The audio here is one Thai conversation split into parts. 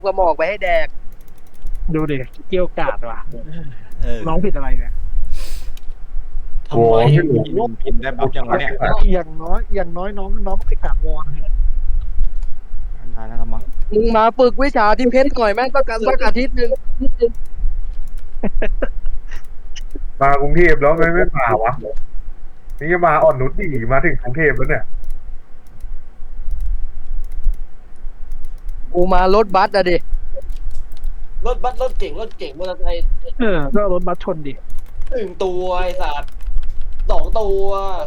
กระหมอกไปให้แดกดูดิเกี่ยวกาดว่ะ น้องเออผิดอะไรเนี่ยทำไมพิมพ์ได้บัฟยังวะเนี่ยอย่างน้อยน้องก็ไปกราบวอนเนี่ยได้แล้วละมั้งมึงมาฝึกวิชาที่เพชรหน่อยแม่งต้องการสักอาทิตย์หนึ่งมากรุงเทพแล้วไม่มาวะนี่จะมาอ่อนนุชดีมาถึงกรุงเทพแล้วเนี่ยกูมารถบัสอะดิรถบัสรถเก่งมอเตอร์ไซค์ก็เอารถบัสชนดิ 1 ตัวไอ้สัตว์2 ตัว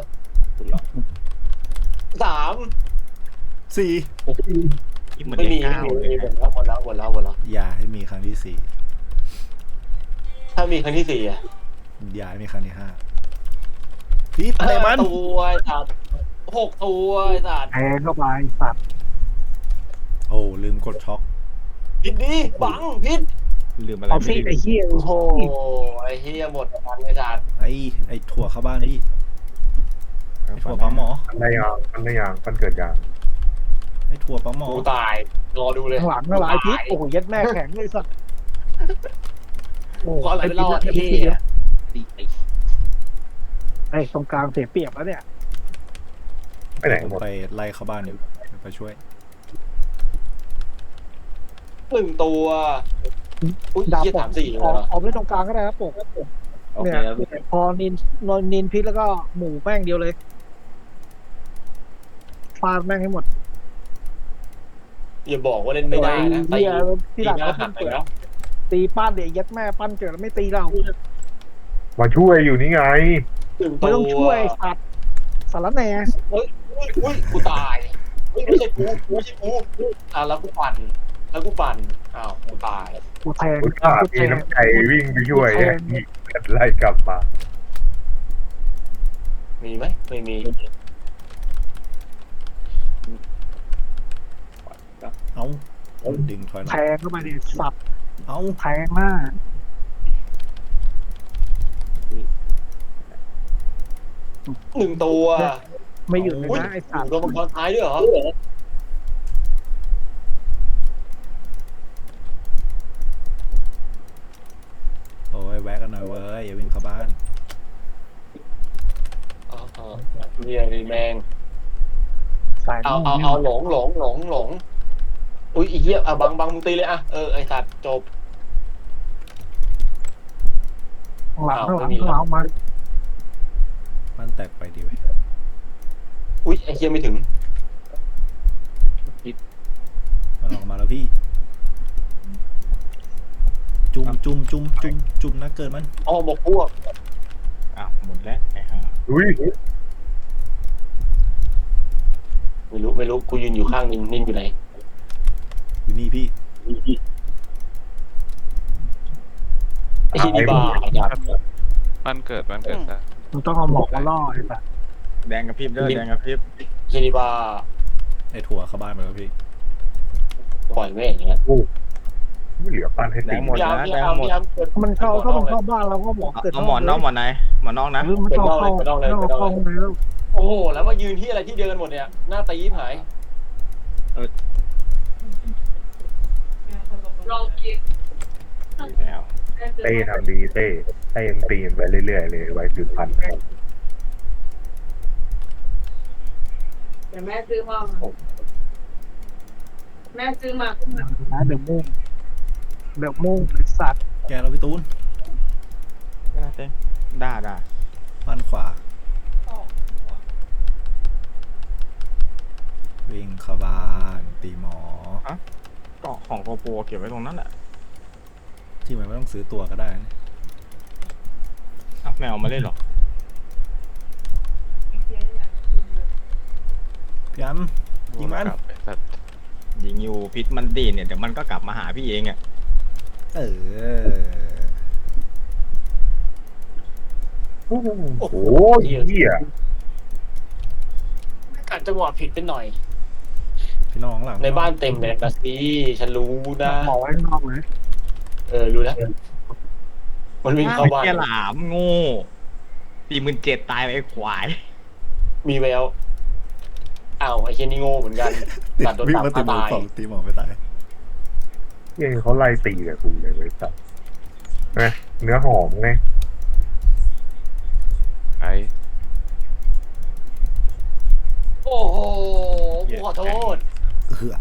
3 สี่เหมือนไม่เลมีขเก้าเลยหมดแล้วอย่าให้มีครั้งที่สี่ถ้ามีครั้งที่4อ่ะอย่าให้มีครั้งที่ห้าพีทเตะมัน 5 ตัวไอ้สัตว์6 ตัวไอ้สัตว์แทงเข้าไปสัตว์โอ้ลืมกดช็อคพิษดิบังพิษลืมอะไรเอาไม่ซี่ได้ไอ้เหี้ยโอ้โหไอ้เฮียหมดกันไอ้สัตว์ไอ้ถั่วเข้าบ้านพี่ไอ้ถั่วปั๊มหมอมันได้ยางมันเกิดยางไอ้ถั่วปั๊มหมอกูตายรอดูเลยข้างหลังข้างหลังไอ้พิษโอ้โหยัดแม่แข็งเลยสัตว์โอ้ขออะไรไอ้ไปพิษรอดไอ้ไอ้พิษเฮียไอ้ตรงกลางเสียเปรียบแล้วเนี่ยไปไหนผมหมดไปไล่เข้าบ้านอยู่ไปช่วย 1 ตัวอุ้ยดาบเฮียปก 3-4เลยออกเหรอออกเล่นตรงกลางก็ได้ครับปกโอเคเนี่ยแล้วพอนินพิษแล้วก็หมูแม่งเดียวเลยฟาดแม่งให้หมดอย่าบอกว่าเล่นไม่ได้นะเหี้ยที่หลังหน้าเขาหัเพิ่กงไปเปิดแล้วตีป้านเดี๋ยวยัดแม่ปั้นเกิดแล้วไม่ตีเรามาช่วยอยู่นี่ไง 1 ไม่ตัวต้องช่วยสัตว์สารแหน่อุ้ยกูตายไม่ใช่กูแล้วกูปั่นอ้าวกูตายกูแทงอุตส่าห์มีน้ำใจวิ่งไปช่วยนี่ไล่กลับมามีไหมไม่มีเอาดึงถอยหลัแทงงเข้าไปดิสัตว์เอาแทงหน้า 1 ตัวไม่หยุดเลยอุ้ยนะไอ้สัตว์โดนมังกรท้ายด้วยเหรอโอ้ยแวะกันหน่อยเว้ยอย่าวิ่งเข้าบ้านเนี่ยดิแมงสายเอาหลงอุ้ยอีเหี้ยบังมึงตีเลยไอสัตว์จบข้างหลังมาบ้านแตกไปดีเว้ยอุ้ยไอเหี้ยไม่ถึงมันออกมาแล้วพี่ จุ่มนะเกิดมันอ๋อบอกพวกอ้าวหมดแล้วไอ้ห่าอุ้ยไม่รู้กูยืนอยู่ข้างนินอยู่ไหนอยู่นี่พี่ไอ้ที่ดีบ้าจัดบ้านเกิดซะมันต้องเอาหมอกมาล่อไอ้สัตว์แดงกับพริบเด้อแดงกับพริบไอ้ที่ดีบ้าไอ้ถั่วเข้าบ้านไปแล้วพี่ปล่อยแม่งอย่างเงี้ยไม่เหลือปั้นให้แดตีงหมดพยายามนะพแดยาง ยามหมพดยายามเกิดมันเข้าบ้านเราก็หมอกเกิดเอาหมอนนอกหมอนไหนหมอนนอกนะหรือมันเข้าห้องแล้วโอ้โหแล้วมายืนที่อะไรที่เดียวกันหมดเนี่ยหน้าตีหายแล้วเต้ทำดีเต้ยังตีนไปเรื่อยๆเลยไว้สืบพันธุ์เดี๋ยวแม่ซื้อมาแม่ซื้อมานะเดือดมุ่งไอ้สัตว์แกเราพี่ตูนไม่ได้เต้ด่าบ้านขวา วิ่งเข้าบ้านตีหมอเกาะของโกโปรเก็บไว้ตรงนั้นแหละที่มันไม่ต้องซื้อตัวก็ได้นะอ้าวแมวมาเล่นหรอพี่อัมยิงมันไอ้สัตว์ยิงอยู่พิษมันดีเนี่ยเดี๋ยวมันก็กลับมาหาพี่เองอ่ะเออโอ้โหเหี้ยกัดจังหวะผิดไปหน่อยพี่น้องหลังในบ้านเต็มเลยนะสิฉันรู้นะหมอกไว้ข้างนอกเลยรู้แล้วมันวิ่งเข้าบ้านแค่หลามโง่47,000ตายไปไอ้ควายมีแววอ้าวไอ้เชนนี่โง่เหมือนกันติดตัดโดนวิ่งตัดมาตีหมอตายสองตีหมอไม่ตายยังเขาไล่ตีกับกูเลยเว้ยสัตว์นะเนื้อหอมไงไอ้โอ้โหกูขอโทษเหือ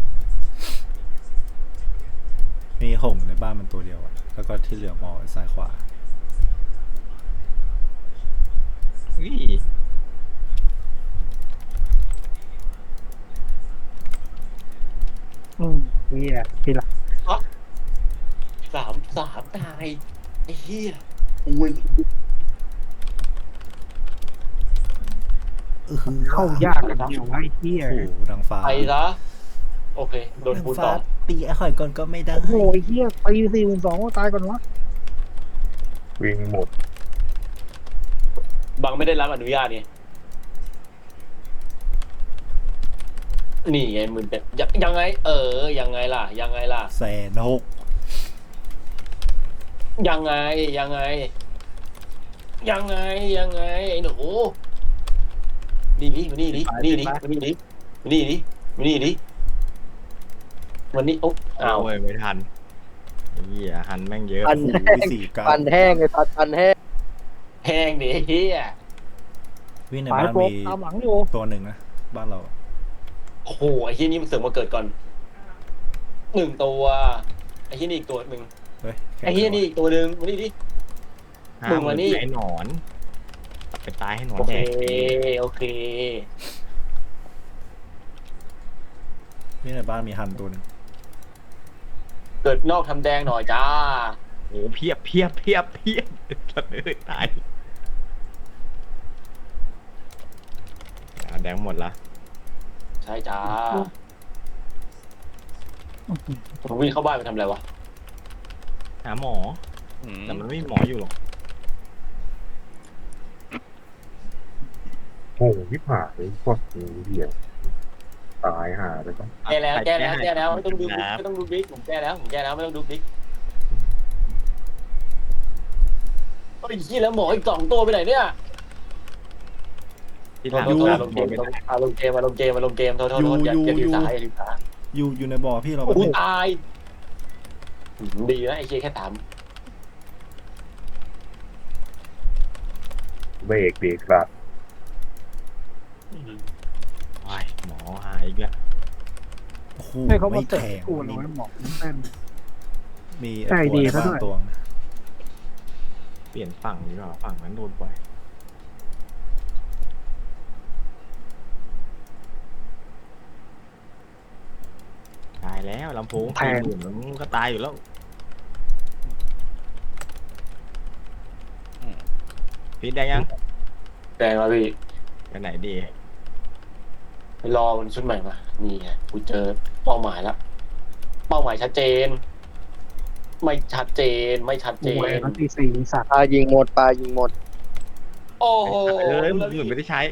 มีหงส์ในบ้านมันตัวเดียวอะแล้วก็ที่เหลือมองซ้ายขวาอุ้ยนี่แหละพี่ละสามตายไอ้เหี้ยอุ้ยเข้ายากกันเดียวไอ้เหี้ยโอ้โหดังฟ้าไปซะโอเคโดนดังคูณฟ้าต่อตีไอ้หอยก่อนก็ไม่ได้โอ้โหไอ้เหี้ยไป42,000ตายก่อนวะวิ่งหมดบังไม่ได้รับอนุญาตเนี่ยนี่ไงมึงเป็นยังไง ยังไงล่ะ ยังไงล่ะ 160,000 ยังไงยังไงไอ้หนูนี่ดิมานี่ดิมานี่ดิมานี่ดิมานี่ดิมานี่ดิวันนี้โอ๊ะอ้าวโอ้ยไม่ทันเหี้ยหันแม่งเยอะปันโอ้แห้งโห49 ปันแห้งไอ้สัตว์ปันแห้งแพงดิเฮียวิ่งในสายบ้านโปรมีตามหลังอยู่ตัวหนึ่งนะบ้านเราโอ้โหไอ้ที่นี่มันเสือกมาเกิดก่อน1 ตัวไอ้ที่นี่อีกตัวหนึ่งเฮ้ยแค่ไอ้ที่นี่อีกตัวหนึ่งมานี่ดิหามึงมานี่ไอ้หนอนตัดไปตายให้หนอนโอแดเคกโอเควิ่งในบ้านมีหันตัวหนึงเกิดนอกทำแดงหน่อยจ้าโอ้โหเพียบสัตว์เลยตายแดงหมดละใช่จ้าผมวิ่งเข้าบ้านไปทำอะไรวะหาหมออืมแต่มันไม่มีหมออยู่หรอกโอ้ยิบหายเลยพวกนี้เหี้ยตายหาไปก่อนแก้แล้วไม่ต้องดูบิ๊กผมแก้แล้วไม่ต้องดูบิ๊กไอ้ยี่แล้วหมออีก2 ตัวไปไหนเนี่ยที่หลังลงเกมโทษอย่าดีสายอยู่ในบ่อพี่เราโอ้ยตายดีนะไอ้เชี่ยแค่ถามเบรกสัตว์โอ้ยหมอหายอีกแล้วโอ้โหให้เขามาไม่เตะแข็งกูเลยหมอกแม่นมีใจไอ้ดีตัวในซะด้วยบ้านตัวนึงเปลี่ยนฝั่งดีกว่าฝั่งนั้นโดนปล่อยตายแล้วลำโพง40,000มันก็ตายอยู่แล้วพีทได้ยังแดงมาพี่ไปไหนดีไปรอมันชุดใหม่มานี่ไงกูเจอเป้าหมายแล้วเป้าหมายชัดเจน ไม่ชัดเจนโอ้ยมันตี4สัตว์ปลายิงหมดปลายิงหมดโอ้โหมึงเหมือนไม่ได้ใช้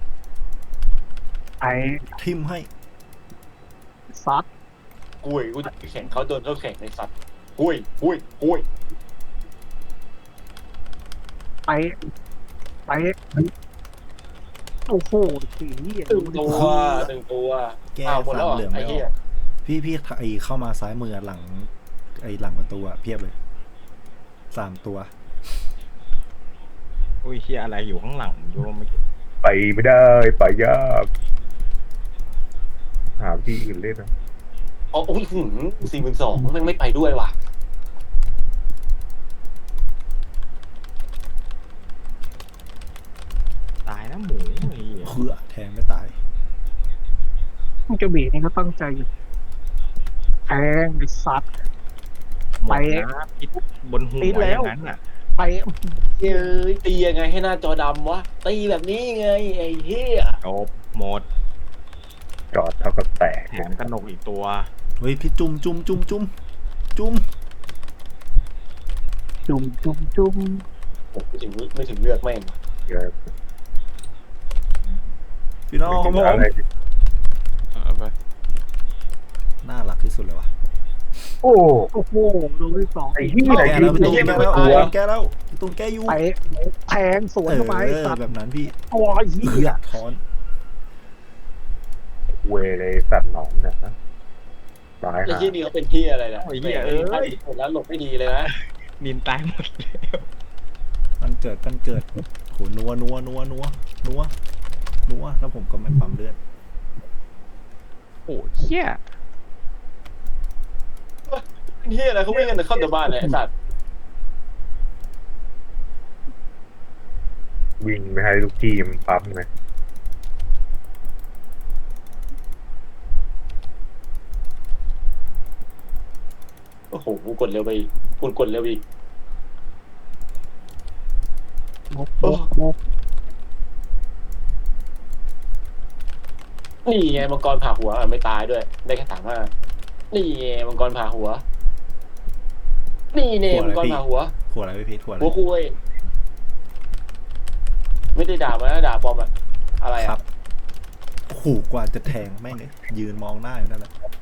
ไอ้ทิมให้ซัดกุยกูแข่งเขาโดนเขาแข่งในสัตว์กุยไปโอ้โหสีเหี้ย 1 ตัวแก้อ้าวหมดสาแล้วมเหลืองไอ้ไม่อเหี้อย กพี่ไอเข้ามาซ้ายมือหลังไอหลังประตูอะเพียบเลย3 ตัวอุ้ยเฮียอะไรอยู่ข้างหลังโยมไปไม่ได้ไปยากหาที่อื่นเล่นนะอ๋อโอ้ย42,000มันไม่ไปด้วยว่ะตายนะหมูไอ้เหี้ยเพื่อแทงไม่ตายมันจะบีนี่ก็ตั้งใจอยู่แทงไอ้ซัดหมไปดนะพิษบนหัวพิษอแล้วย่างนั้นอ่ะไปเอ้ยตียังไงให้หน้าจอดำวะตีแบบนี้ไงไอ้เหี้ยจบหมดจอดเท่ากับแตกแถมกระหนกอีกตัวเฮ้ยพี่จุ่มจุ่มผมไม่ถึงเลือกแม่งเยอะพี่น้องของผมอะไรเอาไปน่ารักที่สุดเลยวะโอ้โอ้โหโดนที่2 ไอ้เหี้ยแก้แล้วพี่ตุ้มไอ้แก้เหี้แล้วยแก้แล้วพี่ตุ้มแก้อยู่ไปแทงสวนเข้าไปสัตว์แบบนั้นพี่โอ้ยเหือถอนเวเลยสัตว์หนองเนี่ยนะตายไอ้ฮะที่นี่เขาเป็นที่อะไรนะโอ้ยเหี้ยเอ้ยแล้วหลบไม่ดีเลยนะนินตายหมดแล้วมันเกิดโหนัวแล้วผมก็ไม่ปั๊มเลือดโอ้เหี้ยเป็นที่อะไรเขาวิ่งกันเข้าแต่บ้านเลยไอ้สัตว์วิ่งไม่ให้ลูกทีมปั๊มไงโอ้โหกูกดเร็วไปอีกกูกดเร็วอีก นี่ไงมังกรผ่าหัวไม่ตายด้วย ได้แค่35นี่ไงมังกรผ่าหัว นี่เนมังกรผ่าหัวหัวอะไรพี่พีทหัวอะไรหัวคุยไม่ได้ด่ามานะด่าปลอมอะอะไรครัอะบโหกว่าจะแทงแม่งเลยยืนมองหน้าอยู่นั่นแหละ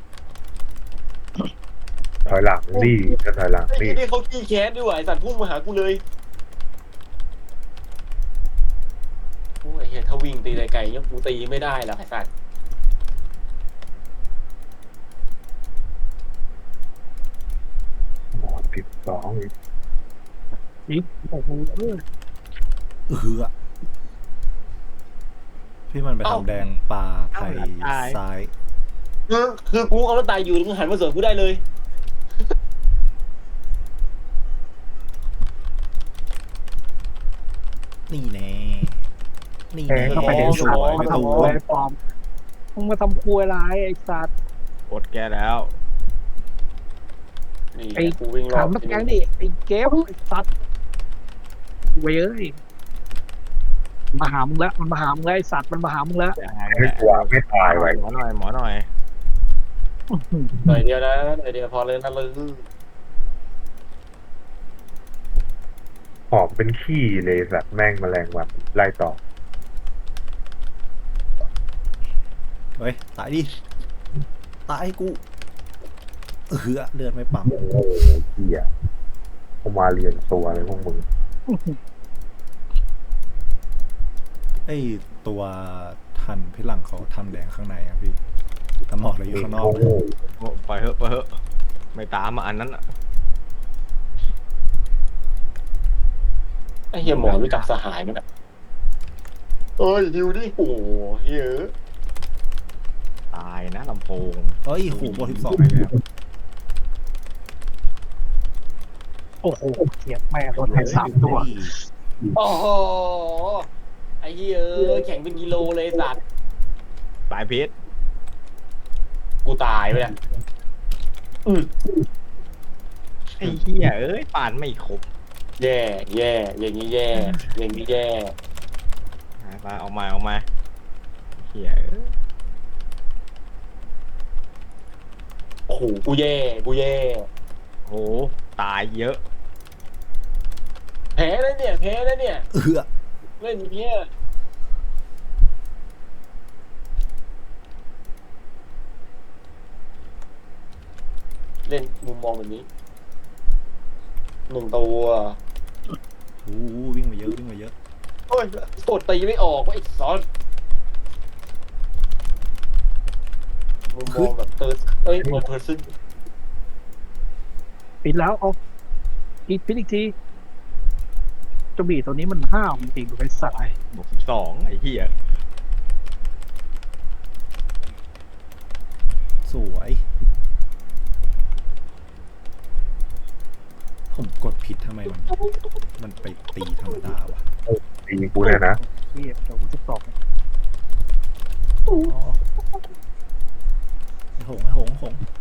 ถอยหลังดิจะถอยหลังไอ้ดิที่นี่เขาขี้แค้นด้วยว่ะไอ้สัตว์พุ่งมาหากูเลยโอ้ยเฮียถ้าวิ่งตีไกลๆเนี่ยกูตีไม่ได้หรอกไอ้สัตว์หมอ12อีกนี่โอ้โหพี่มันไปทำแดงปลาไผ่ซ้ายคือกูเอาแล้วตายอยู่มึงหันมาสวนกูได้เลยนี่แน่นี่แทแน่งเข้าไปในสสาววยมาพี่ตูทำอะไรปลอมมึงมาทำครัวอะไรไอ้สัตว์อดแกแล้วนี่ไอ้กูวิ่งรอถาบมนักแกงดิไอ้เกฟไอ้สัตว์เว้ยมาหามึงแล้วมันมาหามึงแล้วไอ้สัตว์มันมาหามึงแล้วไม่กลัวไม่ตายไว้หมอหน่อยหน่อยเดียวนะหน่อยเดียวพอเลยนะเลยหอมเป็นขี้เลยสัตว์แม่งแมลงวันไล่ต่อเฮ้ยตายดิตายกูเลือดไม่ปั๊มโอ้โหเหี้ยเขามาเรียนตัวเลยพวกมึงไอตัวทันพี่หลังเขาทำแดงข้างในอะพี่แต่หมอกเลยอยู่ข้างนอกโอ้โหโอ้ไปเถอะไม่ตามมาอันนั้นอ่ะไอ้เฮียหมอรู้จักสหายมั้ยเนี่ยเอ้ยดิวดิโอ้เฮียตายนะลำโพงเฮ้ยขู่โบ12ไปแล้วโอ้โหเสียบแม่รถไถ3 ตัวโอ้โหไอ้เฮียแข่งเป็นกิโลเลยสัตว์ตายพิษกูตายไปแล้วไอ้เหี้ยเอ้ยป่านไม่ครบแย่อย่างนี้แย่อย่างนี้แย่ไปเอามาเหี้ยเอ้ยโอ้โหกูแย่โหตายเยอะแพ้แล้วเนี่ย เล่นอย่างเงี้ยเล่นมุมมองแบบนี้1 ตัววิ่งมาเยอะโอ้ยกดตีไม่ออกว่าไอ้ซอนมุมมองแบบมองเพอร์ซึนปิดแล้วเอาปิดอีกทีเจ้าบีตัวนี้มันห้าวจริงๆไอ้สัตว์บวก12ไอ้เหี้ยสวยผมกดผิดทำไมมันไปตีธรรมดาวะตีกูเนี่ยนะเทียบเดี๋ยวกูจะตอบอ๋อไอ้หง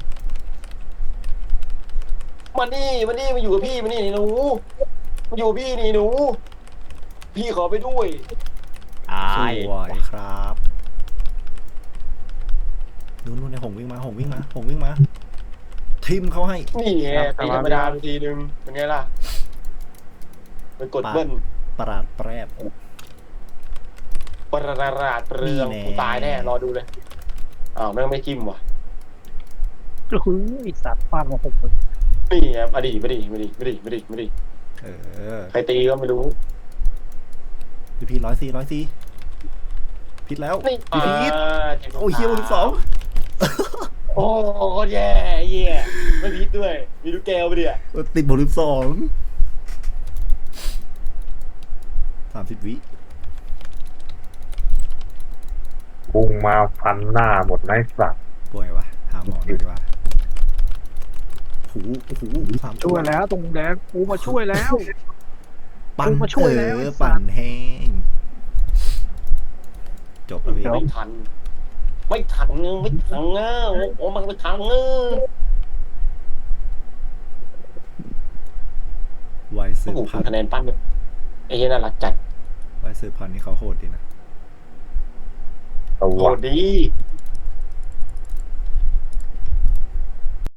มานี่มาอยู่กับพี่มานี่หนูมาอยู่กับพี่นี่หนู พี่ขอไปด้วยตาสยวยครับนู่นไอ้หงวิ่งมาทิมเขาให้นี่ไงตีธรรมดาทีนึงเป็นไงล่ะเป็นกดเบิ้ลประหลาดแปรบประหลาดเปรืองนี่แน่กูตายแน่รอดูเลยอ้าวแม่งไม่จิ้มว่ะก็คือไอ้สัตว์ฟาดมา6 คนนี่ไงมาดิใครตีก็ไม่รู้พี่104ผิดแล้วนี่พี่พีทจ็บโอ้ยเฮียบน12 โอ้โคตรแย่เหี้ยไม่พิษด้วย มีลูกแก้วไปดิอ่ะติดบท12 30 วิพุงมาฟันหน้าหมดไอ้สัตว์ป่วยวะหาหมอหน่อยดีกว่าหูโอ้โห3 ช่วยแล้วตรงแดงกูมาช่วยแล้วปั่นกูมาช่วยแล้วไอ้สัตว์ปั่นแห้งจบแล้วพี่ไม่ทัน ไม่ทันไม่ทันเงาโอ้มันไม่ทันเงาไวซ์สืโอ้บโหพันธุ์คะแนนปั้นแบบไอ้เหี้ยน่ารักจัดไวซ์สืบพันธุ์นี่เขาโหดดีนะตัวโหดดี